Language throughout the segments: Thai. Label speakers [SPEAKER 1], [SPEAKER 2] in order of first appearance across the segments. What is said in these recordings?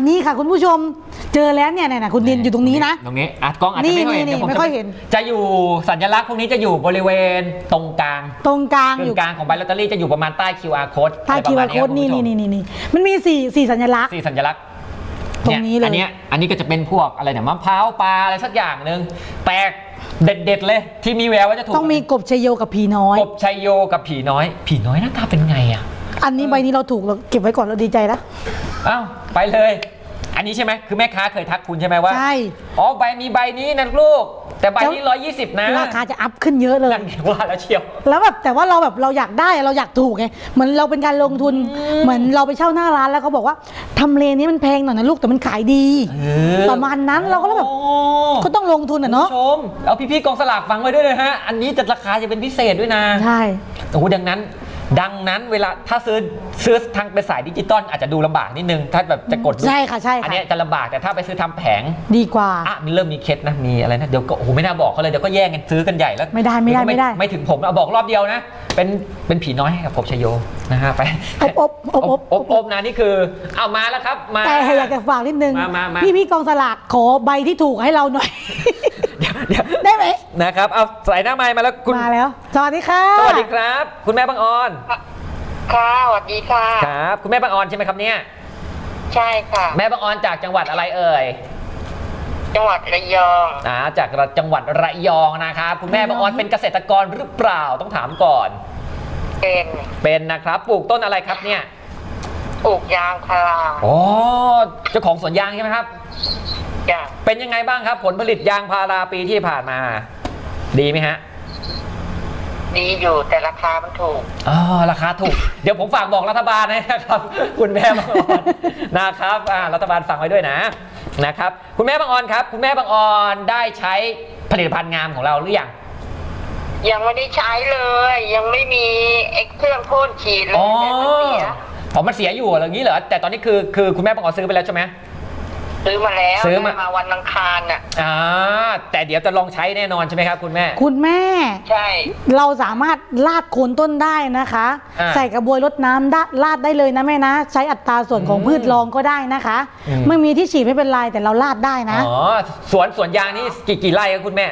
[SPEAKER 1] นี้ค่ะคุณผู้ชมเจอแล้วเนี่ยคุณดินอยู่ตรงนี้นะ
[SPEAKER 2] ตรงนี้กล้องอาจจะไม่ค่อยเห็น
[SPEAKER 1] นี่ไม่ค่อยเห็น
[SPEAKER 2] จะอยู่สัญลักษณ์พวกนี้จะอยู่บริเวณตรงกลางอยู่กลางของใบลอตเตอรี่จะอยู่ประมาณใต้ QR code
[SPEAKER 1] ใต้ QR code นี่มันมี4สัญลักษณ์
[SPEAKER 2] 4สัญลักษณ์
[SPEAKER 1] ตรงนี้เลย
[SPEAKER 2] อันนี้ก็จะเป็นพวกอะไรเนี่ยมะพร้าวปลาอะไรสักอย่างหนึ่งแปลกเด็ดเลยที่มีแววว่าจะถูก
[SPEAKER 1] ต้องมีกบชัยโยกับผีน้อย
[SPEAKER 2] กบชัยโยกับผีน้อยหน้าตาเป็นไงอ่ะ
[SPEAKER 1] อันนี้ใบนี้เราถูกเราเก็บไว้ก่อนเราดีใจแล้ว
[SPEAKER 2] อ้าวไปเลยอันนี้ใช่ไหมคือแม่ค้าเคยทักคุณใช่ไหมว่า
[SPEAKER 1] ใช่
[SPEAKER 2] อ๋อมีใบนี้นะลูกแต่ใบนี้120นะ
[SPEAKER 1] ราคาจะอัพขึ้นเยอะเลย
[SPEAKER 2] นั่นว่าแล้วเชียว
[SPEAKER 1] แล้วแบบแต่ว่าเราอยากได้เราอยากถูกไงเหมือนเราเป็นการลงทุนเหมือนเราไปเช่าหน้าร้านแล้วเขาบอกว่าทำเลนี้มันแพงหน่อยนะลูกแต่มันขายดีประมาณนั้นเราก็เลยแบบก็ต้องลงทุนเนาะ
[SPEAKER 2] ชมเอาพี่ๆกองสลากฟังไว้ด้วยนะฮะอันนี้จะราคาจะเป็นพิเศษด้วยนะ
[SPEAKER 1] ใช่
[SPEAKER 2] โอ้โหดังนั้นเวลาถ้าซื้อทางเป็นสายดิจิตอลอาจจะดูลำบากนิดนึงถ้าแบบจะกด
[SPEAKER 1] ใช่ค่ะอั
[SPEAKER 2] นนี้จะลำบากแต่ถ้าไปซื้อทำแผง
[SPEAKER 1] ดีกว่า
[SPEAKER 2] มีเริ่มมีเคล็ดนะมีอะไรนะเดี๋ยวก็โอ้โหไม่น่าบอกเขาเลยเดี๋ยวก็แย่งกันซื้อกันใหญ่แล้ว
[SPEAKER 1] ไม่ได้
[SPEAKER 2] ไม่ถึงผมเอาบอกรอบเดียวนะเป็นผีน้อยให้กับผมชโยนะฮะไปอบนะนี่คือเอามาแล้วครับมา
[SPEAKER 1] แต่อยากจะฝากนิดนึง
[SPEAKER 2] มา
[SPEAKER 1] พี่กองสลากขอใบที่ถูกให้เราหน่อย
[SPEAKER 2] เดี๋ยว
[SPEAKER 1] ได้ไหม
[SPEAKER 2] นะครับเอาใส่หน้าไมค์มาแล้ว
[SPEAKER 1] มาแล้วสวัสดีค่ะ
[SPEAKER 2] สวัสดีครับคุณแม่บางออน
[SPEAKER 3] ค่ะสวัสดีค่ะ
[SPEAKER 2] ครับคุณแม่บางออนใช่ไหมครับเนี่ย
[SPEAKER 3] ใช่ค่ะ
[SPEAKER 2] แม่บางออนจากจังหวัดอะไรเอ่ย
[SPEAKER 3] จังหวัดระยอง
[SPEAKER 2] จากจังหวัดระยองนะครับคุณแม่บางออนเป็นเกษตรกรหรือเปล่าต้องถามก่อนเป็นนะครับปลูกต้นอะไรครับเนี่ย
[SPEAKER 3] ปลูกยางพารา
[SPEAKER 2] อ๋อเจ้าของสวนยางใช่ไหมครับ
[SPEAKER 3] จ้ะ
[SPEAKER 2] เป็นยังไงบ้างครับผลผลิตยางพาราปีที่ผ่านมาดีไหมฮะ
[SPEAKER 3] ดีอยู่แต่ราคามันถูก
[SPEAKER 2] ราคาถูกเดี๋ยวผมฝากบอกรัฐบาลนะครับคุณแม่บางออนนะครับรัฐบาลฟังไว้ด้วยนะครับคุณแม่บางออนครับคุณแม่บางออนได้ใช้ผลิตภัณฑ์งามของเราหรือ
[SPEAKER 3] ยังไม่ได้ใช้เลยยังไม่มีเครื่องพ่นฉีดเลยแต่มันเสีย
[SPEAKER 2] มันเสียอยู่อย่างนี้เหรอแต่ตอนนี้คือคุณแม่บางออนซื้อไปแล้วใช่ไหม
[SPEAKER 3] ซื้อมาแล้วซื้อมาวันอังคารน่ะ
[SPEAKER 2] แต่เดี๋ยวจะลองใช้แน่นอนใช่ไหมครับคุณแม่
[SPEAKER 3] ใช่
[SPEAKER 1] เราสามารถลาดโคนต้นได้นะคะใส่กระบวยรดน้ำลาดได้เลยนะแม่นะใช้อัตราส่วนของพืชรองก็ได้นะคะไม่มีที่ฉีดไม่เป็นไรแต่เราลาดได้นะ
[SPEAKER 2] สวนยางนี่กี่ไร่ครับคุณแม่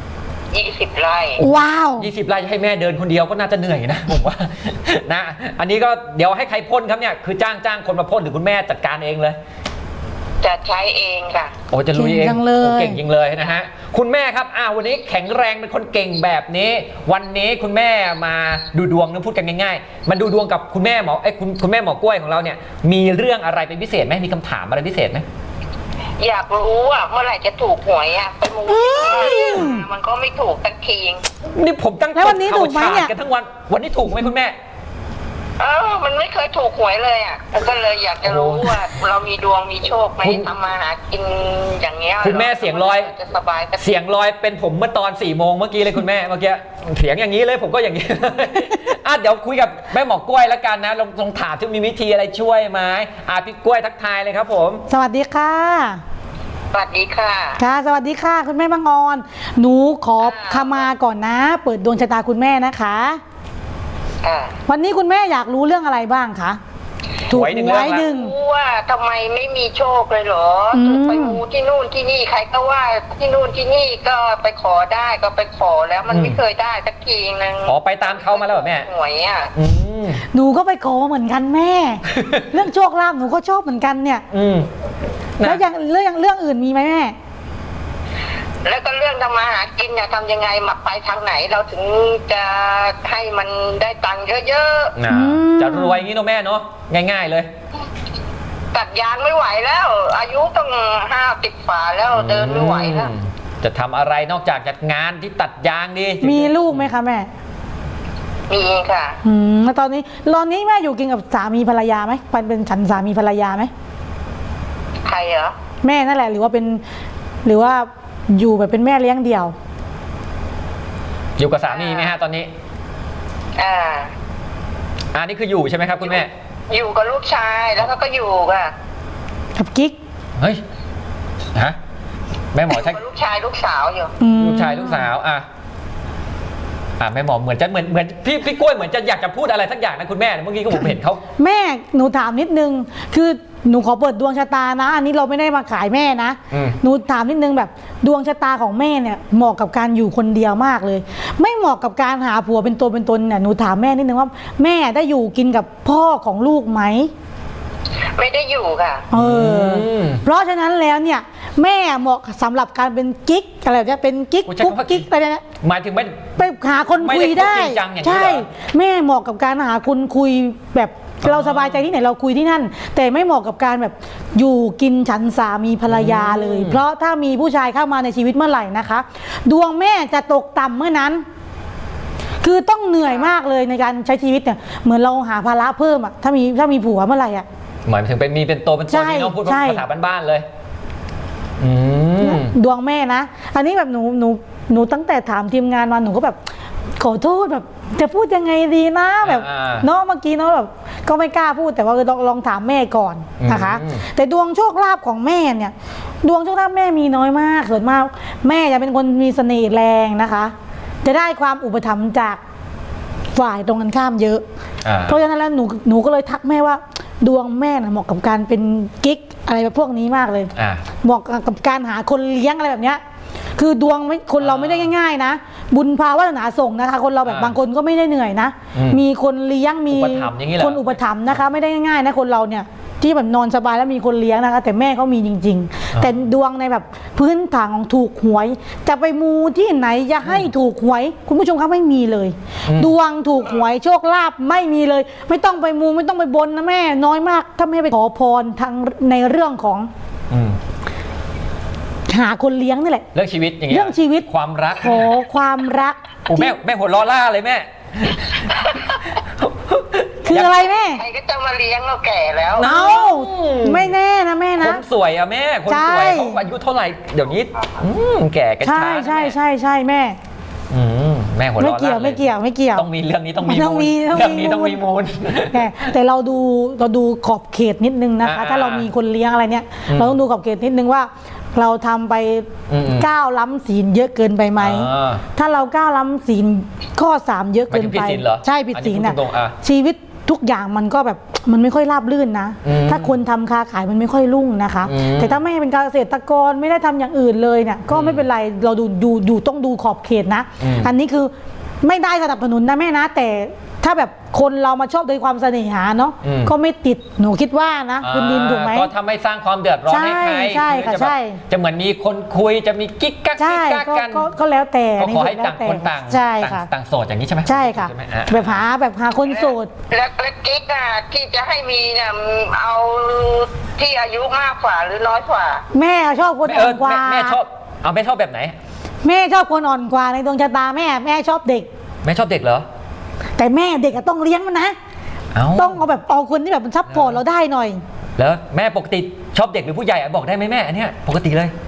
[SPEAKER 3] 20 ไร่
[SPEAKER 1] ว้าว
[SPEAKER 2] 20 ไร่ให้แม่เดินคนเดียวก็น่าจะเหนื่อยนะผมว่านะอันนี้ก็เดี๋ยวให้ใครพ่นครับเนี่ยคือจ้างคนมาพ่นหรือคุณแม่จัดการเองเลย
[SPEAKER 3] จะใช้เองค่ะ
[SPEAKER 2] โอ้จะลุยเองเก่งจริงเลยนะฮะคุณแม่ครับวันนี้แข็งแรงเป็นคนเก่งแบบนี้วันนี้คุณแม่มาดูดวงนะพูดกันง่ายๆมันดูดวงกับคุณแม่หมอคุณแม่หมอกล้วยของเราเนี่ยมีเรื่องอะไรเป็นพิเศษไหมมีคำถามอะไรพิเศษไหม
[SPEAKER 3] อยากรู้เมื่อไหร่จะถูกหวยไปมูมันก็ไม่ถูกสักที
[SPEAKER 2] นี่ผมตั้ง
[SPEAKER 1] แล้ววันนี้ถูกไหมเนี่ย
[SPEAKER 2] กันทั้งวันนี้ถูกไหมคุณแม่
[SPEAKER 3] มันไม่เคยถูกหวยเลยก็เลยอยากจะรู้ว่าเรามีดวงมีโชคไหมทำมาหากินอย่างเงี้ย
[SPEAKER 2] คุณแม่เสียงลอย
[SPEAKER 3] จะสบาย
[SPEAKER 2] เสียงลอยเป็นผมเมื่อตอน4 โมงเมื่อกี้เลยคุณแม่เมื่อกี้เสียงอย่างนี้เลยผมก็อย่างนี้เดี๋ยวคุยกับแม่หมอกล้วยแล้วกันนะลองถามที่มีวิธีอะไรช่วยไหมพี่กล้วยทักทายเลยครับผม
[SPEAKER 1] สวัสดีค่ะ
[SPEAKER 3] สวัสดีค่ะ
[SPEAKER 1] ค่ะสวัสดีค่ะคุณแม่บางออนหนูขอขมาก่อนนะเปิดดวงชะตาคุณแม่นะคะวันนี้คุณแม่อยากรู้เรื่องอะไรบ้างคะ
[SPEAKER 2] ถูกหวยหนึ่ง
[SPEAKER 3] ว่าทำไมไม่มีโชคเลยเหรอไปมูที่นู่นที่นี่ใครก็ว่าที่นู่นที่นี่ก็ไปขอได้ก็ไปขอแล้วมันไม่เคยได้สักทีนึง
[SPEAKER 2] ไปตามเขามาแล้วแม่
[SPEAKER 3] หวย
[SPEAKER 1] หนูก็ไปขอเหมือนกันแม่ เรื่องโชคลาภหนูก็ชอบเหมือนกันเนี่ยแล้วอย่างเรื่องอื่นมีไหมแม่
[SPEAKER 3] แล้วก็เรื่องทำมาหากินเนี่ยทำยังไงมาไปทางไหนเราถึงจะให้มันได้ตังค์เยอะ
[SPEAKER 2] ๆจะรวยงี้เนาะแม่เนาะง่ายๆเลย
[SPEAKER 3] ตัดยางไม่ไหวแล้วอายุต้อง50 ฝ่าแล้วเดินไม่ไหวแล้ว
[SPEAKER 2] จะทำอะไรนอกจากจัดงานที่ตัดยางดี
[SPEAKER 1] มีลูกไหมคะแม่
[SPEAKER 3] มีค่ะ
[SPEAKER 1] แล้วตอนนี้แม่อยู่กินกับสามีภรรยาไหมเป็นฉันสามีภรรยาไหม
[SPEAKER 3] ใครเหรอ
[SPEAKER 1] แม่นั่นแหละหรือว่าอยู่แบบเป็นแม่เลี้ยงเดี่ยว
[SPEAKER 2] อยู่กับสามีไหมฮะตอนนี้นี่คืออยู่ใช่ไหมครับคุณแม่
[SPEAKER 3] อยู่กับลูกชายแล้วก็อยู่
[SPEAKER 1] กับกิ๊ก
[SPEAKER 2] เฮ้ยแม่หมอใช่
[SPEAKER 3] ลูกชายลูกสาวอยู่
[SPEAKER 2] ลูกชายลูกสาวแม่หมอเหมือนพี่กล้วยเหมือนจะอยากจะพูดอะไรสักอย่างนะคุณแม่เมื่อกี้ก็ผมเห็นเขา
[SPEAKER 1] แม่หนูถามนิดนึงคือหนูขอเปิดดวงชะตานะ อันนี้เราไม่ได้มาขายแม่นะ หนูถามนิดนึงแบบดวงชะตาของแม่เนี่ยเหมาะกับการอยู่คนเดียวมากเลย ไม่เหมาะกับการหาผัวเป็นตัวเป็นตนเนี่ยหนูถามแม่นิดนึงว่าแม่ได้อยู่กินกับพ่อของลูกไหม
[SPEAKER 3] ไม่ได้อยู่ค่ะ
[SPEAKER 1] เพราะฉะนั้นแล้วเนี่ยแม่เหมาะสำหรับการเป็นกิ๊กอะไรแบบนี้เป็นกิ๊ก
[SPEAKER 2] โอ้ใช้
[SPEAKER 1] กุ๊ก
[SPEAKER 2] คำว่า
[SPEAKER 1] กิ๊กอะไรเนี่ย
[SPEAKER 2] หมายถึงไม่
[SPEAKER 1] ไปหาคนคุยได้
[SPEAKER 2] ไม่ได้คบจริงจังอย่างนี้
[SPEAKER 1] ใช่
[SPEAKER 2] เหรอ
[SPEAKER 1] แม่เหมาะกับการหาคนคุยแบบเราสบายใจที่ไหนเราคุยที่นั่น แต่ไม่เหมาะกับการแบบอยู่กินฉันสามีภรรยาเลย เพราะถ้ามีผู้ชายเข้ามาในชีวิตเมื่อไหร่นะคะ ดวงแม่จะตกต่ำเมื่อนั้น คือต้องเหนื่อยมากเลยในการใช้ชีวิตเนี่ยเหมือนเราหาภาระเพิ่มอะถ้ามีผัวเมื่อไหร่อะ
[SPEAKER 2] หมายถึงเป็นมีเป็นตัวเป็นตน
[SPEAKER 1] ใช่
[SPEAKER 2] นี่เน้องพูด
[SPEAKER 1] ใช่
[SPEAKER 2] ภาษาบ้านๆเลย
[SPEAKER 1] ดวงแม่นะอันนี้แบบหนูตั้งแต่ถามทีมงานมาหนูก็แบบขอโทษแบบจะพูดยังไงดีนะแบบเนาะเมื่อกี้เนาะแบบก็ไม่กล้าพูดแต่ว่าลองถามแม่ก่อนนะคะแต่ดวงโชคลาภของแม่เนี่ยดวงโชคลาภแม่มีน้อยมากส่วนมากแม่จะเป็นคนมีเสน่ห์แรงนะคะจะได้ความอุปถัมภ์จากฝ่ายตรงกันข้ามเยอะเพราะฉะนั้นแล้วหนูก็เลยทักแม่ว่าดวงแม่น่ะเหมาะกับการเป็นกิ๊กอะไรแบบพวกนี้มากเลยเหมาะกับการหาคนเลี้ยงอะไรแบบเนี้ยคือดวงไม่คนเราไม่ได้ง่ายๆนะบุญพาวาสนาส่งนะคะคนเราแบบบางคนก็ไม่ได้เหนื่อยนะมีคนเลี้ยงมีคนอุปถัมภ์นะคะไม่ได้ง่ายๆนะคนเราเนี่ยที่แบบนอนสบายแล้วมีคนเลี้ยงนะคะแต่แม่เขามีจริงๆแต่ดวงในแบบพื้นฐานของถูกหวยจะไปมูที่ไหนจะให้ถูกหวยคุณผู้ชมครับไม่มีเลยดวงถูกหวยโชคลาภไม่มีเลยไม่ต้องไปมูไม่ต้องไปบนนะแม่น้อยมากถ้าแม่ไปขอพรทางในเรื่องของหาคนเลี้ยงนี่แหละ
[SPEAKER 2] เรื่องชีวิตอย่างเงี้ย
[SPEAKER 1] เรื่องชีวิต
[SPEAKER 2] ความรัก
[SPEAKER 1] ขอความรัก
[SPEAKER 2] โอ้แม่หัวล้อล่าเลยแม่
[SPEAKER 1] คืออะไรแม่
[SPEAKER 3] ใครก็จะมาเลี้ยงเราแก่แล้ว
[SPEAKER 1] เอาไม่แน่นะแม่นะ
[SPEAKER 2] คนสวยอะแม่คนสวยเขาอายุเท่าไหร่เดี๋ยวนี้แก่กันช้า
[SPEAKER 1] ใช่แม่
[SPEAKER 2] แม่หัวล้อล่า
[SPEAKER 1] ไม่เกี่ยว
[SPEAKER 2] ต้องมีเรื่องนี้ต้องมีเรื่องนี้ต้องมีมูล
[SPEAKER 1] แต่เราดูขอบเขตนิดนึงนะคะถ้าเรามีคนเลี้ยงอะไรเนี่ยเราต้องดูขอบเขตนิดนึงว่าเราทำไปก้าวล้ำศีลเยอะเกินไปไหมถ้าเราก้าวล้ำศีลข้อ3เยอะเกินไปใช่ผิดศีลน่ะชีวิตทุกอย่างมันก็แบบมันไม่ค่อยราบรื่นนะถ้าคนทำค้าขายมันไม่ค่อยรุ่งนะคะแต่ถ้าไม่เป็นเกษตรกรไม่ได้ทำอย่างอื่นเลยเนี่ยก็ไม่เป็นไรเราดูต้องดูขอบเขตนะอันนี้คือไม่ได้สนับสนุนนะแม่นะแต่ถ้าแบบคนเรามาชอบโดยความเสน่หาเนาะก็ไม่ติดหนูคิดว่านะคุณดินถูกไหม
[SPEAKER 2] ก็ทำให้สร้างความเดือดร้อนให้ใคร
[SPEAKER 1] ใช่ค่ะใช่
[SPEAKER 2] จะเหมือนมีคนคุยจะมีกิ๊กกักกัน
[SPEAKER 1] ก็แล้วแต่
[SPEAKER 2] ก็ขอให้ต่างคนต่าง
[SPEAKER 1] ใช่ค่ะ
[SPEAKER 2] ต่างโสดอย่างนี้ใช่ไหม
[SPEAKER 1] ใช่ค่ะแบบหาคนโสด
[SPEAKER 3] แล้วกิ๊กอ่ะที่จะให้มีเนี่ยเอาที่อายุมากกว่าหรือน้อยกว่า
[SPEAKER 1] แม่ชอบคนอ่อนกว่า
[SPEAKER 2] แม่ชอบแม่ชอบแบบไหน
[SPEAKER 1] แม่ชอบคนอ่อนกว่าในดวงชะตาแม่ชอบเด็ก
[SPEAKER 2] แม่ชอบเด็กเหรอ
[SPEAKER 1] แต่แม่เด็กต้องเลี้ยงมันนะต้องเอาแบบเอาคนที่แบบมันซัพพอร์ตเราได้หน่อย
[SPEAKER 2] แล้วแม่ปกติชอบเด็กหรือผู้ใหญ่บอกได้ไหมแม่อันเนี้ยปกติเลย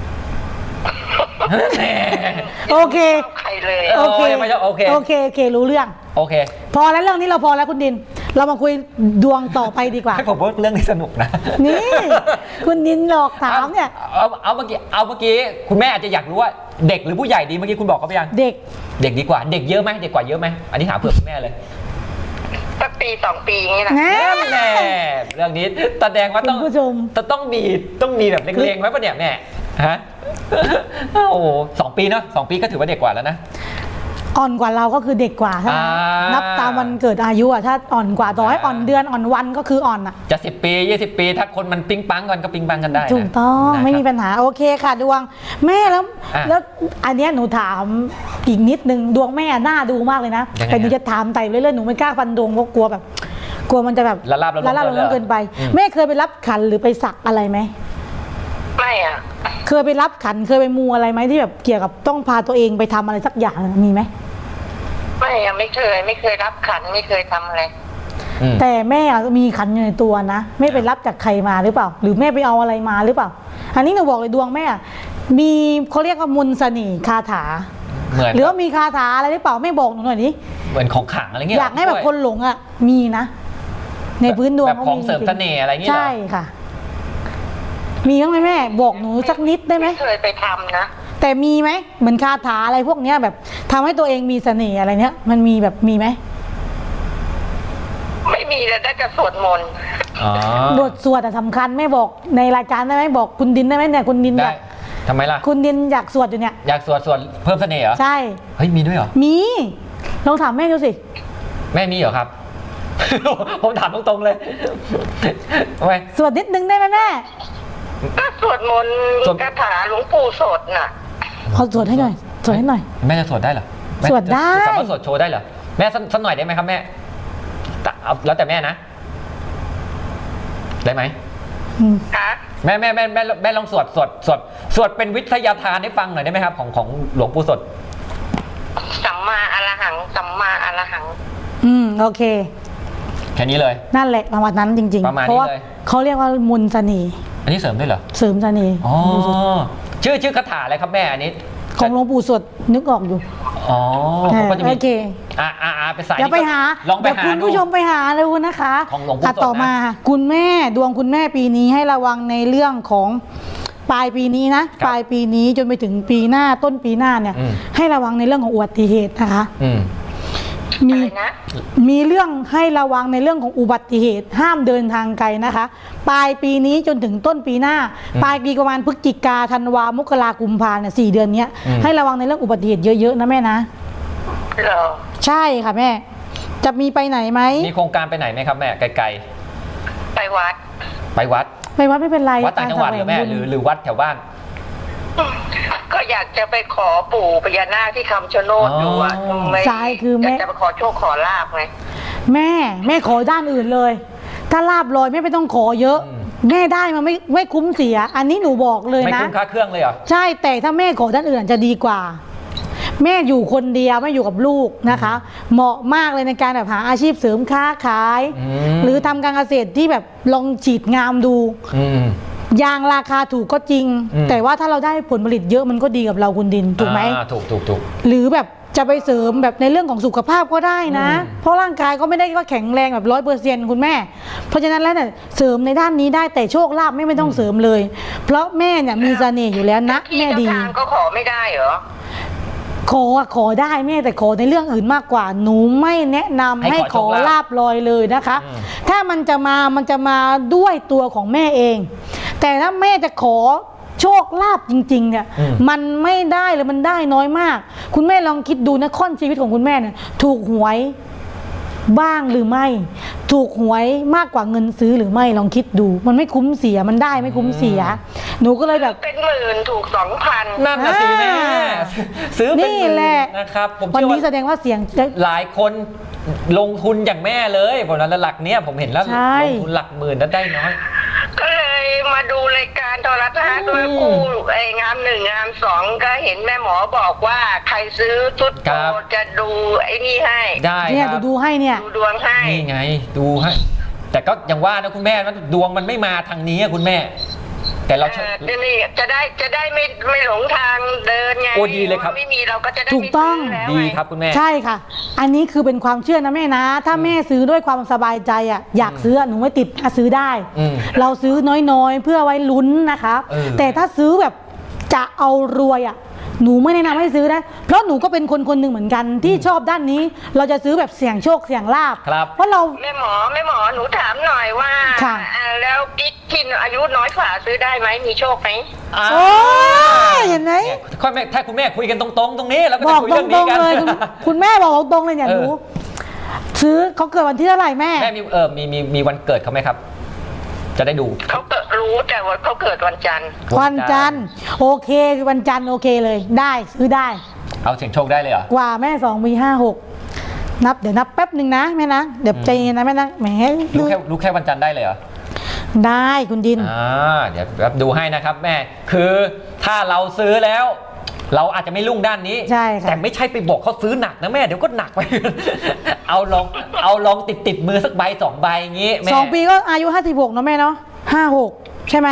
[SPEAKER 1] โอเค
[SPEAKER 3] ใครเลย
[SPEAKER 2] โอเค
[SPEAKER 1] รู้เรื่อง
[SPEAKER 2] โอเค
[SPEAKER 1] พอแล้วเรื่องนี้เราพอแล้วคุณดินเรามาคุยดวงต่อไปดีกว่า
[SPEAKER 2] ให้ผมว่าเรื่องนี้สนุกนะ
[SPEAKER 1] นี่คุณดินหลอกถามเนี่ย
[SPEAKER 2] เอาเมื่อกี้คุณแม่อาจจะอยากรู้ว่าเด็กหรือผู้ใหญ่ดีเมื่อกี้คุณบอกเขาไปยัง
[SPEAKER 1] เด็ก
[SPEAKER 2] ดีกว่าเด็กเยอะไหมเด็กกว่าเยอะไหมอันนี้ถามเผื่อคุณแม่เลย
[SPEAKER 3] สักปี2 ปีนี่แหละ
[SPEAKER 2] แน่เรื่องนี้แสดงว่าต้องมีแบบเล็งๆไว้ป่ะเนี่ยแม่ฮะโอ้2 ปีเนาะ2 ปีก็ถือว่าเด็กกว่าแล้วนะ
[SPEAKER 1] อ่อนกว่าเราก็คือเด็กกว่าถ้านับตามวันเกิดอายุอ่ะถ้าอ่อนกว่าต่อให้อ่อนเดือนอ่อนวันก็คืออ่อนอ่ะ
[SPEAKER 2] จะ10 ปี20 ปีถ้าคนมันปิ๊งปังกันก็ปิ๊งปังกันได้
[SPEAKER 1] ถูกต้องไม่มีปัญหาโอเคค่ะดวงแม่แล้วอันนี้หนูถามอีกนิดนึงดวงแม่น่าดูมากเลยนะแต่หนูจะถามไต่เรื่อยๆหนูไม่กล้าฟันดวงเพราะกลัวมันจะแบบ
[SPEAKER 2] ละลาบ
[SPEAKER 1] เกินไปแม่เคยไปรับขันหรือไปสักอะไรไหม
[SPEAKER 3] ไม่อ่ะ
[SPEAKER 1] เคยไปรับขันเคยไปมูอะไรไหมที่แบบเกี่ยวกับต้องพาตัวเองไปทำอะไรสักอย่างมีไหม
[SPEAKER 3] ไม่อะไม่เคยรับขันไม่เคยทำอะไร
[SPEAKER 1] แต่แม่มีขันอยู่ในตัวนะไม่ไปรับจากใครมาหรือเปล่าหรือแม่ไปเอาอะไรมาหรือเปล่าอันนี้หนูบอกเลยดวงแม่มีเขาเรียกว่ามนต์เสน่ห์คาถาหรือว่ามีคาถาอะไรหรือเปล่าไม่บอกหนูหน่อยดิ
[SPEAKER 2] เหมือนของขลังอะไรเงี้ย
[SPEAKER 1] อยากให้แบบคนหลงอ่ะมีนะในพื้นดวง
[SPEAKER 2] แบบของเสริมเสน่ห์อะไรเงี้ย
[SPEAKER 1] ใช่ค่ะมีบ้างไหมแม่บอกหนูสักนิดได้ไหม
[SPEAKER 3] เคยไปทำนะ
[SPEAKER 1] แต่มีไหมเหมือนคาถาอะไรพวกเนี้ยแบบทำให้ตัวเองมีเสน่ห์อะไรเนี้ยมันมีแบบมีไหม
[SPEAKER 3] ไม่มีแต่ได้แต่สวดมนต์
[SPEAKER 2] อ๋อบ
[SPEAKER 1] ทสวดอะสำคัญแม่บอกในรายการได้ไหมบอกคุณดินได้ไหมเนี่ยคุณดินอ
[SPEAKER 2] ได้
[SPEAKER 1] ยาก
[SPEAKER 2] ทำไมล่ะ
[SPEAKER 1] คุณดินอยากสวดอยู่เนี่ย
[SPEAKER 2] อยากสวดเพิ่มเสน่ห์เหรอ
[SPEAKER 1] ใช่
[SPEAKER 2] เฮ้ยมีด้วยเหรอ
[SPEAKER 1] มีลองถามแม่ดูสิ
[SPEAKER 2] แม่มีเหรอครับ ผมถามตรงๆเลยทำไม
[SPEAKER 1] สวดนิดนึงได้ไหมแม่
[SPEAKER 3] ก็สวดมนต์
[SPEAKER 2] สวด
[SPEAKER 3] คาถาหลวงปู่สดน่ะ
[SPEAKER 1] เอาสวดให้หน่อยสวดให้หน่อย
[SPEAKER 2] แม่จะสวดได้เหรอแม่
[SPEAKER 1] สวดได้
[SPEAKER 2] จะสามารถสวดโชว์ได้เหรอแม่สักหน่อยได้ไหมครับแม่แต่เอาแล้วแต่แม่นะ ได้ไหม
[SPEAKER 1] อืม
[SPEAKER 3] คะ
[SPEAKER 2] แม่ลองสวดเป็นวิทยาทานให้ฟังหน่อยได้ไหมครับ ของหลวงปู่สด
[SPEAKER 3] สัมมาอรหัง สัมมาอรหัง
[SPEAKER 1] โอเค
[SPEAKER 2] แค่นี้เลย
[SPEAKER 1] นั่นแหละประมาณนั้นจริง
[SPEAKER 2] ประมาณนี้
[SPEAKER 1] เพราะว่า
[SPEAKER 2] เลย
[SPEAKER 1] เขาเรียกว่ามนต์เสน่ห์
[SPEAKER 2] อันนี้เสริมด้วยเหรอ
[SPEAKER 1] เสริมเสน่ห์
[SPEAKER 2] อ๋อชื่อคาถาอะไรครับแม่อันนี้
[SPEAKER 1] ของหลวงปู่สวดนึกออกอยู่
[SPEAKER 2] อ๋อผมก็จะมี
[SPEAKER 1] โอเค
[SPEAKER 2] ไปสาย
[SPEAKER 1] เดี๋ยวไปหา
[SPEAKER 2] ลองไป
[SPEAKER 1] เดี๋ยว
[SPEAKER 2] หา
[SPEAKER 1] คุณ
[SPEAKER 2] ดู
[SPEAKER 1] ผู้ชมไปหาเลยนะคะ
[SPEAKER 2] ของหลวงปู่สดนะ
[SPEAKER 1] ต่อมาคุณแม่ดวงคุณแม่ปีนี้ให้ระวังในเรื่องของปลายปีนี้นะปลายปีนี้จนไปถึงปีหน้าต้นปีหน้าเนี่ย ให้ระวังในเรื่องของอุบัติเหตุนะคะ
[SPEAKER 2] อืม
[SPEAKER 1] มี
[SPEAKER 3] อะไรนะ
[SPEAKER 1] มีเรื่องให้ระวังในเรื่องของอุบัติเหตุห้ามเดินทางไกลนะคะ ปลายปีนี้จนถึงต้นปีหน้า ปลายปีประมาณพฤศจิกาธันวามกรากุมภาเนี่ย4 เดือนเนี้ยให้ระวังในเรื่องอุบัติเหตุเยอะๆนะแม่นะ
[SPEAKER 3] เหรอ
[SPEAKER 1] ใช่ค่ะแม่ จะมีไปไหนไหม
[SPEAKER 2] มีโครงการไปไหนไหมครับแม่ไกล
[SPEAKER 3] ไปวัด
[SPEAKER 2] ๆไปวัด
[SPEAKER 1] ไปวัดไม่เป็นไร
[SPEAKER 2] วัดต่างจังหวัดหรือแม่
[SPEAKER 1] การแสวงบุญ
[SPEAKER 2] หรือวัดแถวบ้าน
[SPEAKER 3] ก็อยากจะไปขอปู่พญานาคที่คำชะโนดดูอ่ะ
[SPEAKER 2] อ๋อ
[SPEAKER 3] ไม่
[SPEAKER 1] ใช่คือแม่
[SPEAKER 3] อยากจะไปขอโชคขอลาบไง
[SPEAKER 1] แม่ขอด้านอื่นเลย ถ้าลาบลอยแม่ไม่ต้องขอเยอะ แม่ได้มาไม่คุ้มเสีย อันนี้หนูบอกเลย
[SPEAKER 2] ไม่
[SPEAKER 1] นะ
[SPEAKER 2] คุ้มค่าเครื่องเลยเหรอ
[SPEAKER 1] ใช่แต่ถ้าแม่ขอด้านอื่นจะดีกว่า แม่อยู่คนเดียวไม่อยู่กับลูกนะคะ เหมาะมากเลยในการแบบหาอาชีพเสริมค้าขาย หรือทำการเกษตรที่แบบลองฉีดงามดู
[SPEAKER 2] อืม
[SPEAKER 1] ยางราคาถูกก็จริง แต่ว่าถ้าเราได้ผลผลิตเยอะมันก็ดีกับเราคุณดินถูกไหม
[SPEAKER 2] ถูก
[SPEAKER 1] หรือแบบจะไปเสริมแบบในเรื่องของสุขภาพก็ได้นะ เพราะร่างกายก็ไม่ได้ว่าแข็งแรงแบบ100%คุณแม่ เพราะฉะนั้นแล้วเนี่ยเสริมในด้านนี้ได้แต่โชคลาภไม่ต้องเสริมเลย เพราะแม่เนี่ยมีเสน่ห์อยู่แล้วนะ
[SPEAKER 3] ที่
[SPEAKER 1] แม่
[SPEAKER 3] เจ้า
[SPEAKER 1] ดี
[SPEAKER 3] ทางก็ขอไม่ได้เหรอ
[SPEAKER 1] ขอได้แม่แต่ขอในเรื่องอื่นมากกว่าหนูไม่แนะนำ
[SPEAKER 2] ให้
[SPEAKER 1] ให้
[SPEAKER 2] ข
[SPEAKER 1] ข
[SPEAKER 2] อ
[SPEAKER 1] อ
[SPEAKER 2] โชคลาภ
[SPEAKER 1] ลาบลอยเลยนะคะ
[SPEAKER 2] อืม
[SPEAKER 1] ถ้ามันจะมาด้วยตัวของแม่เอง แต่ถ้าแม่จะขอโชคลาภจริงๆเนี่ยมันไม่ได้เลยมันได้น้อยมาก คุณแม่ลองคิดดูนะค่อนชีวิตของคุณแม่เนี่ยถูกหวยบ้างหรือไม่ ถูกหวยมากกว่าเงินซื้อหรือไม่ลองคิดดู มันไม่คุ้มเสียมันได้ไม่คุ้มเสีย หนูก็เลยแบบ
[SPEAKER 3] เป็นหมื่นถูก 2,000
[SPEAKER 2] นั่นน่ะสิแม่
[SPEAKER 1] อ่า
[SPEAKER 2] ซื้อเป็น
[SPEAKER 1] นี่
[SPEAKER 2] หมื่น
[SPEAKER 1] แหละ
[SPEAKER 2] นะครับ ผม
[SPEAKER 1] วัน
[SPEAKER 2] เชื่อ
[SPEAKER 1] นี้แส
[SPEAKER 2] ว่า
[SPEAKER 1] ดงว่าเสียงจะ
[SPEAKER 2] หลายคนลงทุนอย่างแม่เลยผมนั้นหลักเนี้ยผมเห็นแล้ว
[SPEAKER 1] ใช่
[SPEAKER 2] ลงทุนหลักหมื่นแล้วได้น้อย
[SPEAKER 3] ก็เลยมาดูรายการโทรทัศน์ด้วยคู่ไอ้งามหนึ่งงามสองก็เห็นแม่หมอบอกว่าใครซื้อชุดโตจะดูไอ้นี่ให้
[SPEAKER 2] ได้
[SPEAKER 1] เนี่ย
[SPEAKER 2] ครับ
[SPEAKER 1] ดูให้เนี่ย
[SPEAKER 3] ดูดวงให้
[SPEAKER 2] นี่ไงดูให้ แต่ก็ยังว่านะคุณแม่ว่าดวงมันไม่มาทางนี้อะคุณแม่ แต่เรา
[SPEAKER 3] นี่จะได้ไม่หลงทางเดินไง
[SPEAKER 2] โอ้ดีเลยครับ
[SPEAKER 3] ไม่มีเราก็จะได้
[SPEAKER 1] ถูกต้อง
[SPEAKER 3] ไม่ซื้แล้ว
[SPEAKER 2] ดี
[SPEAKER 3] ไง
[SPEAKER 2] ครับคุณแม่
[SPEAKER 1] ใช่ค่ะ อันนี้คือเป็นความเชื่อนะแม่นะ ถ้าแม่ซื้อด้วยความสบายใจอ่ะอยากซื้อหนูไม่ติดซื้อได้
[SPEAKER 2] อืม
[SPEAKER 1] เราซื้อน้อยๆ เพื่อไว้ลุ้นนะคะ
[SPEAKER 2] เออ
[SPEAKER 1] แต่ถ้าซื้อแบบจะเอารวยอ่ะหนูไม่แนะนำให้ซื้อนะเพราะหนูก็เป็นคนหนึ่งเหมือนกันที่ชอบด้านนี้ เราจะซื้อแบบเสี่ยงโชคเสี่ยงลาบ
[SPEAKER 2] ครับ
[SPEAKER 1] เพราะเรา
[SPEAKER 3] แม่หมอหนูถามหน่อยว่า
[SPEAKER 1] ค่ะ
[SPEAKER 3] แล้วกิ๊กที่อายุน้อยกว่าซื้อได้ไหมมีโชคไหม
[SPEAKER 1] โอ้ยเห็นไหม
[SPEAKER 2] เนี่ยค่อยแม่ถ้าคุณแม่คุยกันตรงๆ ตรงนี้แล้วก็
[SPEAKER 1] บ
[SPEAKER 2] จะ
[SPEAKER 1] อก
[SPEAKER 2] คุย
[SPEAKER 1] ต
[SPEAKER 2] เรื่อง
[SPEAKER 1] ร
[SPEAKER 2] นี้
[SPEAKER 1] ง
[SPEAKER 2] กัน
[SPEAKER 1] ๆเลยคุณแม่บอกตรงๆเลยเนี่ย
[SPEAKER 2] เอ
[SPEAKER 1] ห
[SPEAKER 2] อ
[SPEAKER 1] นูซื้อเขาเกิดวันที่เท่าไหร่แม่
[SPEAKER 2] แม่มีวันเกิดเขาไหมครับ จะได้ดู
[SPEAKER 3] เขาเกิดรู้แต่ว่าเขาเกิดวันจันทร์
[SPEAKER 1] วันจันทร์โอเควันจันทร์โอเคเลยได้ซื้อได้
[SPEAKER 2] เอาเสียงโชคได้เลยเหรอ
[SPEAKER 1] กว่าแม่2 มี 5 6นับเดี๋ยวนับแป๊บหนึ่งนะแม่นะเดี๋ยวใจเย็นนะแม่นะแหม
[SPEAKER 2] รู้แค่วันจันทร์ได้เลยเหรอ
[SPEAKER 1] ได้คุณดิน
[SPEAKER 2] เดี๋ยวแบบดูให้นะครับแม่ คือถ้าเราซื้อแล้ว เราอาจจะไม่รุ่งด้านนี้
[SPEAKER 1] ใช่ค่ะ
[SPEAKER 2] แต่ไม่ใช่ไปบอกเขาซื้อหนักนะแม่เดี๋ยวก็หนักไป เอาลองติดมือสักใบ2 ใบอย่างงี้แม่
[SPEAKER 1] 2 ปีก็อายุ56เนาะแม่เนาะ56ใช่ไหม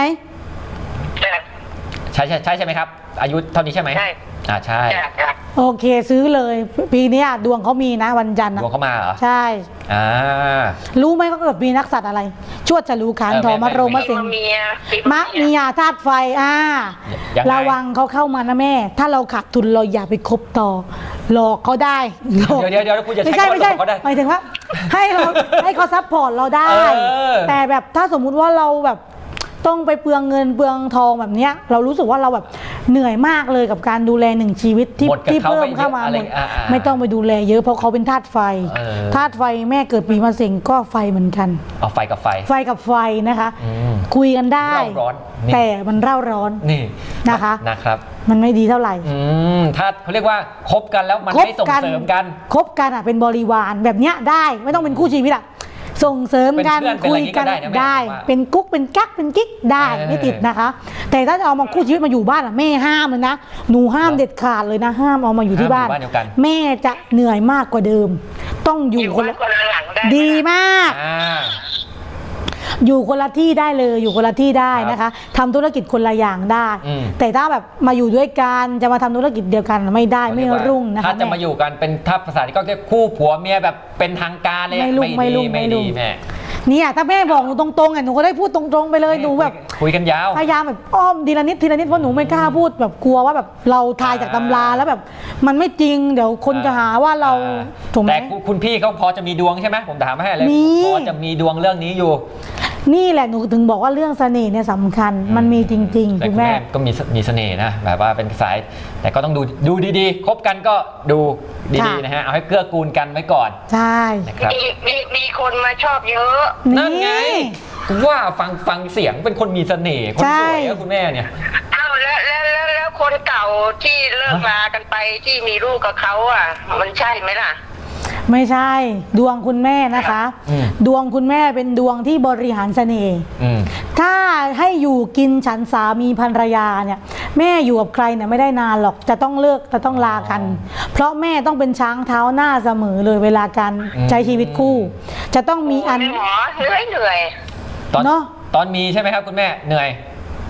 [SPEAKER 2] ใช่ไหมครับ อายุเท่านี้ใช่ไหม
[SPEAKER 3] ใช่
[SPEAKER 2] ใช่
[SPEAKER 3] จ้ะ
[SPEAKER 1] โอเคซื้อเลยปีนี้ดวงเขามีนะวันจันทร์
[SPEAKER 2] ด
[SPEAKER 1] นะ
[SPEAKER 2] วงเข้ามาเหรอ
[SPEAKER 1] ใช่
[SPEAKER 2] อ่า
[SPEAKER 1] รู้ไหมเขาเกิดปีนักสัตว์อะไร ชวดฉลูขานทอมะโรงมะเสง
[SPEAKER 3] เมีย
[SPEAKER 1] มะมียาธาตุไฟ
[SPEAKER 2] ยังไง
[SPEAKER 1] ระวังเขาเข้ามานะแม่ ถ้าเราขาดทุนเราอย่าไปคบต่อ หลอกเขาได้หลอก
[SPEAKER 2] เดี๋ยวคุณจะ
[SPEAKER 1] ไม่
[SPEAKER 2] ใช้
[SPEAKER 1] ใช่
[SPEAKER 2] คำว่าหลอกเขาได้
[SPEAKER 1] หมายถึงว่าให้เขาซัพพอร์ตเราได้ แต่แบบถ้าสมมุติว่าเราแบบต้องไปเปลืองเงินเปลืองทองแบบเนี้ยเรารู้สึกว่าเราแบบเหนื่อยมากเลยกับการดูแลหนึ่งชีวิตที่เพิ่มเข้ามาหมดไม่ต้องไปดูแลเยอะเพราะเขาเป็นธาตุไฟธาตุไฟแม่เกิดปีมะเส็งก็ไฟเหมือนกัน
[SPEAKER 2] เอาไฟกับไฟ
[SPEAKER 1] กับไฟนะคะคุยกันได้แต่มันเร่าร้อน
[SPEAKER 2] นี่
[SPEAKER 1] นะคะ
[SPEAKER 2] มัน
[SPEAKER 1] ไม่ดีเท่าไหร่
[SPEAKER 2] ถ้าเขาเรียกว่าคบกันแล้วมันไม่ส่งเสริมกัน
[SPEAKER 1] คบกันอ่ะเป็นบริวารแบบเนี้ยได้ไม่ต้องเป็นคู่ชีวิตอ่ะส่งเสริมกันคุยกันได้เป็นกุ๊กเป็นกั๊กเป็นกิ๊กได้ไม่ติดนะคะแต่ถ้าจะเอามาคู่ชีวิตมาอยู่บ้านอ่ะแม่ห้ามเลยนะหนูห้ามเด็ดขาดเลยนะห้ามเอามาอยู่ที่บ้านแม่จะเหนื่อยมากกว่าเดิมต้องอยู่คนละหลังดีมากอยู่คนละที่ได้เลยอยู่คนละที่ได้นะคะทำธุรกิจคนละอย่างได้แต่ถ้าแบบมาอยู่ด้วยกันจะมาทำธุรกิจเดียวกันไม่ได้ไม่รุ่งนะคะ
[SPEAKER 2] ถ้าจะมาอยู่กันเป็นถ้าภาษาที่ก็เรียกคู่ผัวเมียแบบเป็นทางการเลยไม่ดีแม่
[SPEAKER 1] เนี่ยถ้าแม่บอกหนูตรงๆอ่ะหนูก็ได้พูดตรงๆไปเลยหนูแบบ
[SPEAKER 2] คุยกันยาว
[SPEAKER 1] พยายามแบบอ้อมทีละนิดเพราะหนูไม่กล้าพูดแบบกลัวว่าแบบเราทายจากตำราแล้วแบบมันไม่จริงเดี๋ยวคนจะหาว่าเราถูกไหม
[SPEAKER 2] แต่คุณพี่เขาพอจะมีดวงใช่ไหมผมถามให้เลยพอจะมีดวงเรื่องนี้อยู่
[SPEAKER 1] นี่แหละหนูถึงบอกว่าเรื่องเสน่ห์เนี่ยสำคัญมันมีจริงๆคุณแม่
[SPEAKER 2] ก็มีเสน่ห์นะแบบว่าเป็นสายแต่ก็ต้องดูดีๆคบกันก็ดูดีๆนะฮะเอาให้เกื้อกูลกันไว้ก่อน
[SPEAKER 1] ใช่
[SPEAKER 2] นะครับ
[SPEAKER 3] มีคนมาชอบเยอะ
[SPEAKER 2] นั่นไงว่าฟังเสียงเป็นคนมีเสน่ห์คนสวยนะคุณแม่เนี่ย
[SPEAKER 3] อ้าวแล้วคนเก่าที่เลิกลากันไปที่มีลูกกับเขาอ่ะมันใช่ไหมล่ะ
[SPEAKER 1] ไม่ใช่ดวงคุณแม่นะคะดวงคุณแม่เป็นดวงที่บริหารเสน่ห์ถ้าให้อยู่กินฉันสามีภรรยาเนี่ยแม่อยู่กับใครเนี่ยไม่ได้นานหรอกจะต้องเลิกจะต้องลากันเพราะแม่ต้องเป็นช้างเท้าหน้าเสมอเลยเวลาการใช้ชีวิตคู่จะต้องมีอัน
[SPEAKER 3] เหนื่อย
[SPEAKER 2] ตอนมีใช่ไหมครับคุณแม่เหนื่อย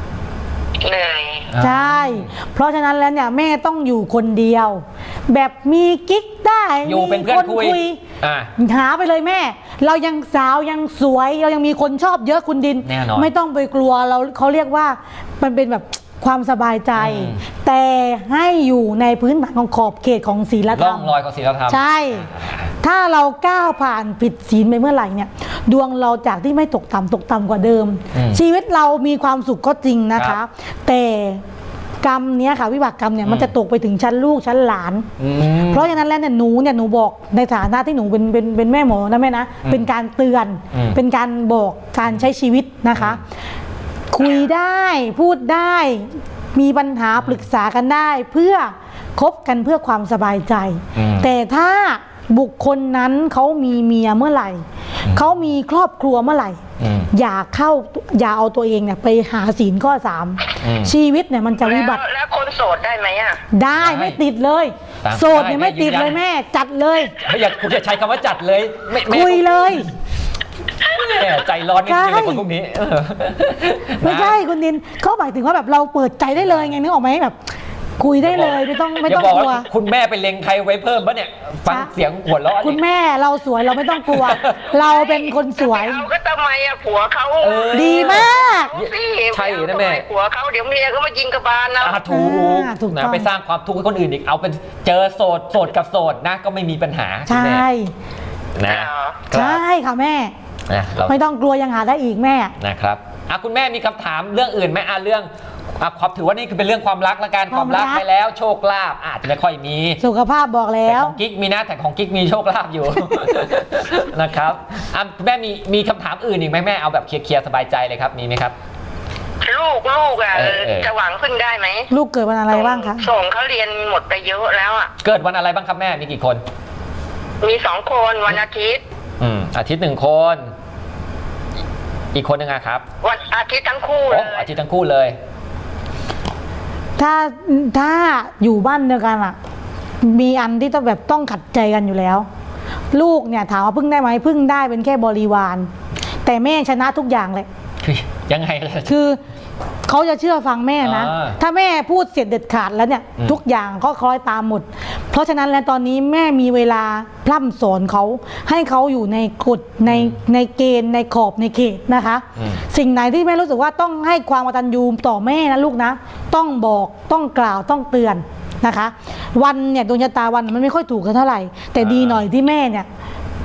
[SPEAKER 1] ใช่เพราะฉะนั้นแล้วเนี่ยแม่ต้องอยู่คนเดียวแบบมีกิ๊กได้
[SPEAKER 2] อยู่เป็นเพื่อนคุย
[SPEAKER 1] หาไปเลยแม่เรายังสาวยังสวยเรายังมีคนชอบเยอะคุณดินไม่ต้องไปกลัวเขาเรียกว่ามันเป็นแบบความสบายใจแต่ให้อยู่ในพื้นฐานของขอบเขตของศีลธรรม
[SPEAKER 2] ร่องรอยของศีลธรรม
[SPEAKER 1] ใช่ถ้าเราก้าวผ่านผิดศีลไปเมื่อไหร่เนี่ยดวงเราจากที่ไม่ตกต่ำกว่าเดิมชีวิตเรามีความสุขก็จริงนะคะแต่กรรมเนี้ยค่ะวิบากกรรมเนี่ยมันจะตกไปถึงชั้นลูกชั้นหลานเพราะฉะนั้นแล้วเนี่ยหนูบอกในฐานะที่หนูเป็นแม่หมอนะแม่นะเป็นการเตือนเป็นการบอกการใช้ชีวิตนะคะคุยได้พูดได้มีปัญหาปรึกษากันได้เพื่อคบกันเพื่อความสบายใจแต่ถ้าบุคคลนั้นเขามีเมียเมื่อไหร่เขามีครอบครัวเมื่อไหร่อย่าเอาตัวเองเนี่ยไปหาศีลข้อ 3ชีวิตเนี่ยมันจะวิบัติ
[SPEAKER 3] แล้วคนโสดได้ไหมอ่ะ
[SPEAKER 1] ได้ไม่ติดเลยโสดเนี่ยไม่ติดเลยแม่จัดเลย
[SPEAKER 2] คุณจะใช้คำว่าจัดเลย
[SPEAKER 1] คุยเลย
[SPEAKER 2] ใจร้อนนิดนึงเลยคนพวกนี้
[SPEAKER 1] ไม่ใช่คุณดินเขาหมายถึงว่าแบบเราเปิดใจได้เลยไงนึกออกไหมแบบคุยได้เลยไม่ต้องกลัว
[SPEAKER 2] คุณแม่ไปเล็งใครไว้เพิ่มปะเนี่ยฟังเสียงหัวเราะ
[SPEAKER 1] คุณแม่เราสวยเราไม่ต้องกลัวเราเป็นคนสวย
[SPEAKER 3] เราก็ทำไมอะผัวเขา
[SPEAKER 1] ดีมาก
[SPEAKER 2] ใช่นะแม่
[SPEAKER 3] ผัวเขาเดี๋ยวเมียเขามายิงกระบาลนะ
[SPEAKER 2] ถูกนะไปสร้างความทุกข์ให้คนอื่นอีกเอาเป็นเจอโสดกับโสดนะก็ไม่มีปัญหา
[SPEAKER 1] ใช่
[SPEAKER 2] นะ
[SPEAKER 1] ใช่ค่ะแม่ไม่ต้องกลัวยังหาได้อีกแม่
[SPEAKER 2] นะครับคุณแม่มีคำถามเรื่องอื่นไหมเรื่องความถือว่านี่คือเป็นเรื่องความรักละกันความรักไปแล้วโชคลาภอาจจะไม่ค่อยมี
[SPEAKER 1] สุขภาพบอกแล้ว
[SPEAKER 2] ของกิ๊กมีนะแต่ของกิ๊กมีโชคลาภอยู่นะครับแม่มีคำถามอื่นอีกไหมแม่เอาแบบเคลียร์สบายใจเลยครับมีไหมครับ
[SPEAKER 3] ลูกจะหวังพึ่งได้ไหม
[SPEAKER 1] ลูกเกิดวันอะไรบ้างคะ
[SPEAKER 3] ส่งเขาเรียนหมดไปเยอะแล้วอ่ะ
[SPEAKER 2] เกิดวันอะไรบ้างครับแม่มีกี่คน
[SPEAKER 3] มี2 คนวันอาทิตย์
[SPEAKER 2] อาทิตย์1 คนอีกคนนึงครับ
[SPEAKER 3] วันอาทิตย์ทั้งคู่เลย
[SPEAKER 2] อาทิตย์ทั้งคู่เลย
[SPEAKER 1] ถ้าอยู่บ้านเดียวกันอ่ะมีอันที่ต้องขัดใจกันอยู่แล้วลูกเนี่ยถามว่าพึ่งได้ไหมพึ่งได้เป็นแค่บริวารแต่แม่ชนะทุกอย่างเลย
[SPEAKER 2] ยังไง
[SPEAKER 1] คือเขาจะเชื่อฟังแม่นะถ้าแม่พูดเสร็จเด็ดขาดแล้วเนี่ยทุกอย่างก็คล้อยตามหมดเพราะฉะนั้นแล้วตอนนี้แม่มีเวลาพร่ำสอนเขาให้เขาอยู่ในกฎในเกณฑ์ในขอบในเขตนะคะสิ่งไหนที่แม่รู้สึกว่าต้องให้ความกตัญญูต่อแม่นะลูกนะต้องบอกต้องกล่าวต้องเตือนนะคะวันเนี่ยดวงชะตาวันมันไม่ค่อยถูกกันเท่าไหร่แต่ดีหน่อยที่แม่เนี่ยไป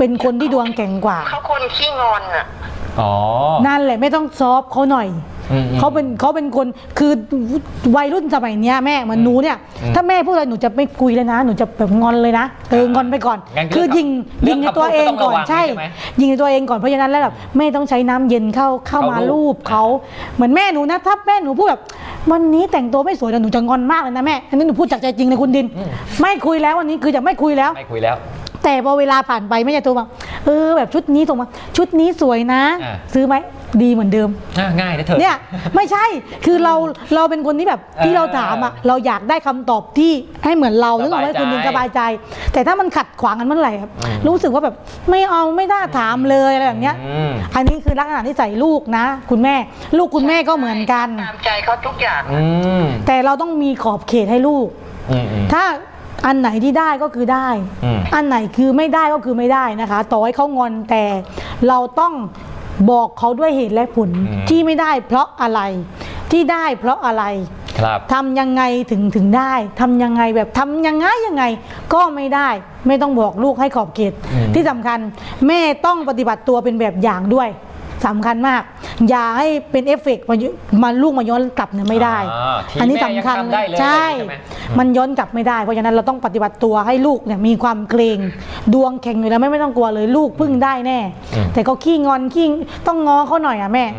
[SPEAKER 1] เป็นคนที่ดวงแข็งกว่า
[SPEAKER 3] เขาคนขี้งอนอ่ะ
[SPEAKER 2] อ๋อ
[SPEAKER 1] นั่นแหละไม่ต้องซอฟเขาหน่อย
[SPEAKER 2] อืม
[SPEAKER 1] เขาเป็นคนคือวัยรุ่นสมัยเนี้ยแม่เหมือนหนูเนี่ย ถ้าแม่พูดอะไรหนูจะไม่คุยเลยนะหนูจะแบบงอนเลยนะงอนไปก่อน
[SPEAKER 2] งั้น
[SPEAKER 1] คือยิงในตัวเองก่อนใช่
[SPEAKER 2] ไหม
[SPEAKER 1] ยิงในตัวเองก่อนเพราะฉะนั้นแล้วแบบแม่ต้องใช้น้ำเย็นเข้ามาลูบเขาเหมือนแม่หนูนะถ้าแม่หนูพูดแบบวันนี้แต่งตัวไม่สวยแต่หนูจะงอนมากเลยนะแม่อันนี้หนูพูดจากใจจริงเลยคุณดิน ไม่คุยแล้ววันนี้คือจะไม่คุยแล้ว
[SPEAKER 2] ไม่คุยแล้ว
[SPEAKER 1] แต่พอเวลาผ่านไปแม่จะโทรมาแบบชุดนี้ส่งมาชุดนี้สวยนะ ซื้อไหมดีเหมือนเดิม
[SPEAKER 2] ง่ายนะเธอ
[SPEAKER 1] เนี่ยไม่ใช่คือเราเป็นคนที่แบบที่เราถามอ่ะเราอยากได้คำตอบที่ให้เหมือนเรานึกออกไหมคุณดินสบายใจ แต่ถ้ามันขัดขวางกันเมื่อไหร่ครับรู้สึกว่าแบบไม่เอาไม่น่าถามเลยอะไรแบบเนี้ยอันนี้คือลักษณะที่ใส่ลูกนะคุณแม่ลูกคุณแม่ก็เหมือนกัน
[SPEAKER 3] ตามใจเขาทุกอย่าง
[SPEAKER 1] แต่เราต้องมีขอบเขตให้ลูกถ้าอันไหนที่ได้ก็คือได้ อันไหนคือไม่ได้ก็คือไม่ได้นะคะ ต่อให้เขางอนแต่เราต้องบอกเขาด้วยเหตุและผลที่ไม่ได้เพราะอะไรที่ได้เพราะอะไร
[SPEAKER 2] ครับ
[SPEAKER 1] ทำยังไงถึงได้ทำยังไงแบบทำยังไงก็ไม่ได้ไม่ต้องบอกลูกให้ขอบเขตที่สำคัญแม่ต้องปฏิบัติตัวเป็นแบบอย่างด้วยสำคัญมากอย่าให้เป็นเอฟเฟกต์มาลูกมาย้อนกลับเนี่ยไม่ได้ อันนี้สำคัญใช่มันย้อนกลับไม่ได้เพราะฉะนั้นเราต้องปฏิบัติตัวให้ลูกเนี่ยมีความเกรงดวงแข็งอยู่แล้วไม่ต้องกลัวเลยลูกพึ่งได้แน่แต่ก็ขี้งอนขี้ต้องง้อเขาหน่อยอ่ะแม่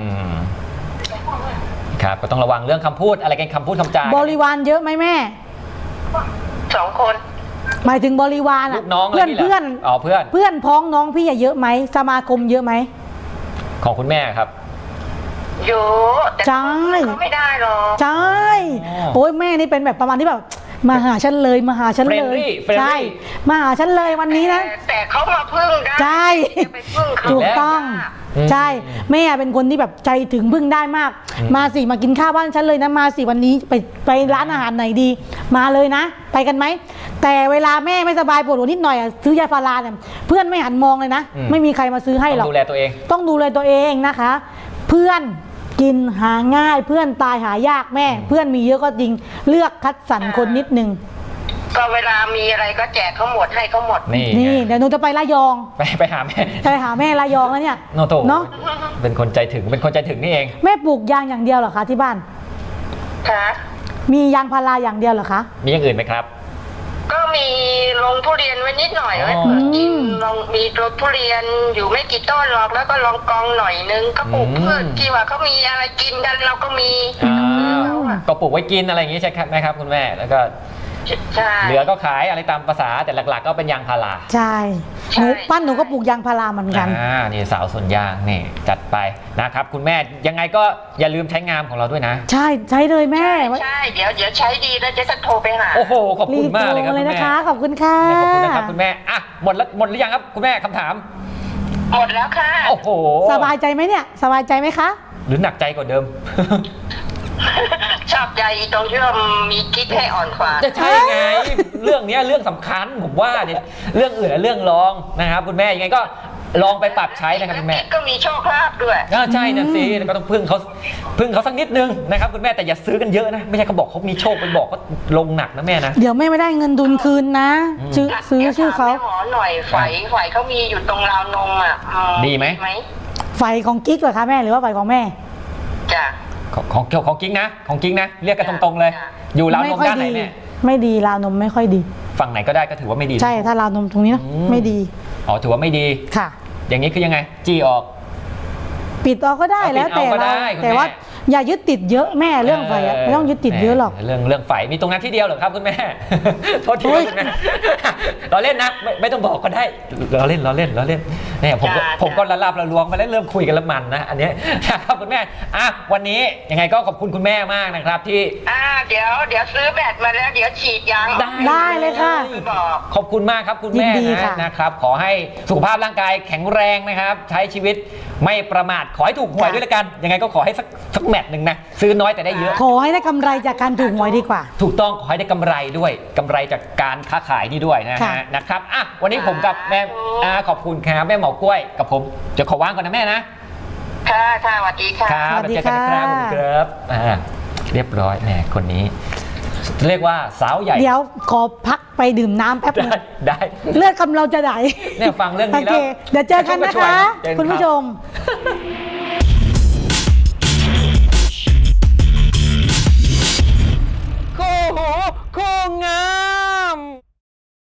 [SPEAKER 2] ครับก็ต้องระวังเรื่องคำพูดอะไรกันคำพูดคำจา
[SPEAKER 1] บริวารเยอะไหมแม่
[SPEAKER 3] 2 คน
[SPEAKER 1] หมายถึงบริวาร
[SPEAKER 2] ลู
[SPEAKER 1] อ่ะ
[SPEAKER 2] กน้อง
[SPEAKER 1] เพื่อน
[SPEAKER 2] อ๋อเพื่อน
[SPEAKER 1] พ้องน้องพี่เยอะไหมสมาคมเยอะไหม
[SPEAKER 2] ของคุณแม่ครับ
[SPEAKER 3] เยอะแต่
[SPEAKER 1] ใช่
[SPEAKER 3] เขาไม่ได้หรอก
[SPEAKER 1] ใช่โอ้ยแม่นี่เป็นแบบประมาณที่แบบมาหาฉันเลยมาหาฉันเลย
[SPEAKER 2] Friendly
[SPEAKER 1] ใช่มาหาฉันเลยวันนี้นะ
[SPEAKER 3] แต่เขามาพึ่งได้
[SPEAKER 1] ใช่
[SPEAKER 3] อย่าไปพึ่งเขา
[SPEAKER 1] ถูกต้องใช่แม่เป็นคนที่แบบใจถึงพึ่งได้มาก มาสิมากินข้าวบ้านฉันเลยนะมาสิวันนี้ไปร้านอาหารไหนดี มาเลยนะ ไปกันไหมแต่เวลาแม่ไม่สบายปวดหัวนิดหน่อยอะซื้อยาพาราเนี่ยเพื่อนไม่หันมองเลยนะไม่มีใครมาซื้อให้หรอก
[SPEAKER 2] ดูแลตัวเอง
[SPEAKER 1] ต้องดูแลตัวเองนะคะ เพื่อนกินหาง่ายเพื่อนตายหายากแม่ เพื่อนมีเยอะก็จริงเลือกคัดสรรคนนิดนึง
[SPEAKER 3] ก็เวลามีอะไรก็แจกเขาหมดให้เขาหมด
[SPEAKER 1] นี่เดี๋ยวหนูจะไประยอง
[SPEAKER 2] ไปหาแม่
[SPEAKER 1] ไปหาแม่ระยองแล้วเนี่ย
[SPEAKER 2] โนโต
[SPEAKER 1] เนาะ
[SPEAKER 2] เป็นคนใจถึงนี่เอง
[SPEAKER 1] แม่ปลูกยางอย่างเดียวเหรอคะที่บ้าน
[SPEAKER 3] ค่ะ
[SPEAKER 1] มียางพาราอย่างเดียวเหรอคะ
[SPEAKER 2] มีอย่างอื่นไหมครับ
[SPEAKER 3] ก็มีลงทุเรียนไว้นิดหน่อยไว้เปิดกินลองมีลงทุเรียนอยู่ไม่กี่ต้นหรอกแล้วก็ลองกองหน่อยนึงก็ปลูกพืชที่ว่าเขามีอะไรกินกันเราก็มี
[SPEAKER 2] ก็ปลูกไว้กินอะไรอย่างนี้ใช่ไหมครับคุณแม่แล้วก็
[SPEAKER 3] ใช่
[SPEAKER 2] เหลือก็ขายอะไรตามภาษาแต่หลักๆก็เป็นยางพารา
[SPEAKER 1] ใช่หนูปั้นหนูก็ปลูกยางพาราเหมือนกัน
[SPEAKER 2] นี่สาวสวนยางนี่จัดไปนะครับคุณแม่ยังไงก็อย่าลืมใช้งามของเราด้วยนะ
[SPEAKER 1] ใช่ใช้เลยแม่
[SPEAKER 3] ใช่เดี๋ยวใช้ดีแล้วจะโทรไปหา
[SPEAKER 2] โอ้โหขอบคุณมากเลยครับ
[SPEAKER 1] รีบโทรเลย
[SPEAKER 2] คุณ
[SPEAKER 1] นะ
[SPEAKER 2] แม่
[SPEAKER 1] คะขอบคุณค่ะ
[SPEAKER 2] ขอบคุณนะครับคุณแม่อ่ะหมดหรือยังครับคุณแม่คำถาม
[SPEAKER 3] หมดแล้วค่ะ
[SPEAKER 2] โอ้โห
[SPEAKER 1] สบายใจไหมเนี่ยสบายใจไหมคะ
[SPEAKER 2] หรือหนักใจกว่าเดิม
[SPEAKER 3] ชอบใจตรงที่ว่ามีกิ๊กให้อ่อนกว่า
[SPEAKER 2] จะใช่ไง เรื่องนี้เรื่องสำคัญผมว่าเนี่ยเรื่องอื่นเรื่องรองนะครับคุณแม่ยังไงก็ลองไปปรับใช้นะครับคุณแม่
[SPEAKER 3] ก็มีโชคลาภด้วย
[SPEAKER 2] ใช่นั่นสิแล้วก็ต้องพึ่งเขาสักนิดนึงนะครับคุณแม่แต่อย่าซื้อกันเยอะนะไม่ใช่เขาบอกเขามีโชคไปบอกก็ลงหนักนะแม่นะ
[SPEAKER 1] เดี๋ยวแม่ไม่ได้เงินดุลคืนนะซื้อชื่อเขา
[SPEAKER 3] ดี๋ยวถมแม่หมอหน่อยไฝเขามีอยู่ตรงราวนมอ่ะ
[SPEAKER 2] ดีไหม
[SPEAKER 1] ไฟของกิ๊กเหรอคะแม่หรือว่าไฟของแม่
[SPEAKER 3] จ้ะ
[SPEAKER 2] ของกิ๊กนะเรียกกันตรงๆเลย อยู่ราวนมด้านไหนแม่
[SPEAKER 1] ไม่ดีราวนมไม่ค่อยดี
[SPEAKER 2] ฝั่งไหนก็ได้ก็ถือว่าไม่ดี
[SPEAKER 1] ใช่ถ้าราวนมตรงนี้นะไม่ดี
[SPEAKER 2] อ๋อถือว่าไม่ดี
[SPEAKER 1] ค่ะ
[SPEAKER 2] อย่างนี้คือยังไงจี้ออก
[SPEAKER 1] ปิดออกก็ได้
[SPEAKER 2] เอาปิด
[SPEAKER 1] แล้วแต่
[SPEAKER 2] เอาก็
[SPEAKER 1] เรา
[SPEAKER 2] ได้คุณ
[SPEAKER 1] แต่ว่า
[SPEAKER 2] แม่
[SPEAKER 1] อย่ายึดติดเยอะแม่เรื่องไฟอะไม่ต้องยึดติดเยอะหรอก
[SPEAKER 2] เรื่องไฟมีตรงนั้นที่เดียวเหรอครับคุณแม่ โทษทีคุณแม่เราเล่นนะไม่ต้องบอกก็ได้เราเล่นเนี่ยผมก็ละลาบละลวงมาเล่นเริ่มคุยกันแล้วมันนะอันนี้ครับคุณแม่อ่ะวันนี้ยังไงก็ขอบคุณคุณแม่มากนะครับที่
[SPEAKER 3] เดี๋ยวซื้อแบตมาแล้วเดี๋ยวฉีดยาง
[SPEAKER 1] ได้เลยค่ะ
[SPEAKER 3] บอก
[SPEAKER 2] ขอบคุณมากครับคุณแม่
[SPEAKER 1] ยินดีค่ะ
[SPEAKER 2] นะครับขอให้สุขภาพร่างกายแข็งแรงนะครับใช้ชีวิตไม่ประมาทขอให้ถูกหวยด้วยละกันยังไงก็ขอให้สักแมตช์หนึ่งนะซื้อน้อยแต่ได้เยอะ
[SPEAKER 1] ขอให้ได้กำไรจากการถูกหวยดีกว่า
[SPEAKER 2] ถูกต้องขอให้ได้กำไรด้วยกำไรจากการค้าขายนี่ด้วยนะ
[SPEAKER 1] ค่ะ
[SPEAKER 2] ฮะนะครับอ่ะวันนี้ผมกับแม่ขอบคุณครับแม่หมอกล้วยกับผมจะขอว่างก่อนนะแม่นะ
[SPEAKER 3] ค่ะสวัสดีค่ะ
[SPEAKER 2] ครับ
[SPEAKER 1] สวัสดี
[SPEAKER 2] เจอกันนะครับ
[SPEAKER 1] ค่ะ
[SPEAKER 2] ผมครับเรียบร้อยแหมคนนี้เรียกว่าสาวใหญ่
[SPEAKER 1] เดี๋ยวขอพักไปดื่มน้ำแป๊บนึง
[SPEAKER 2] ได้
[SPEAKER 1] เลือดกำเราจะไหล
[SPEAKER 2] เนี่ยฟังเรื่องนี้
[SPEAKER 1] โอ
[SPEAKER 2] แล้
[SPEAKER 1] เคว เดี๋ยวเจอกันนะคะ
[SPEAKER 2] เจอกันครับ
[SPEAKER 1] คุณผู้ชม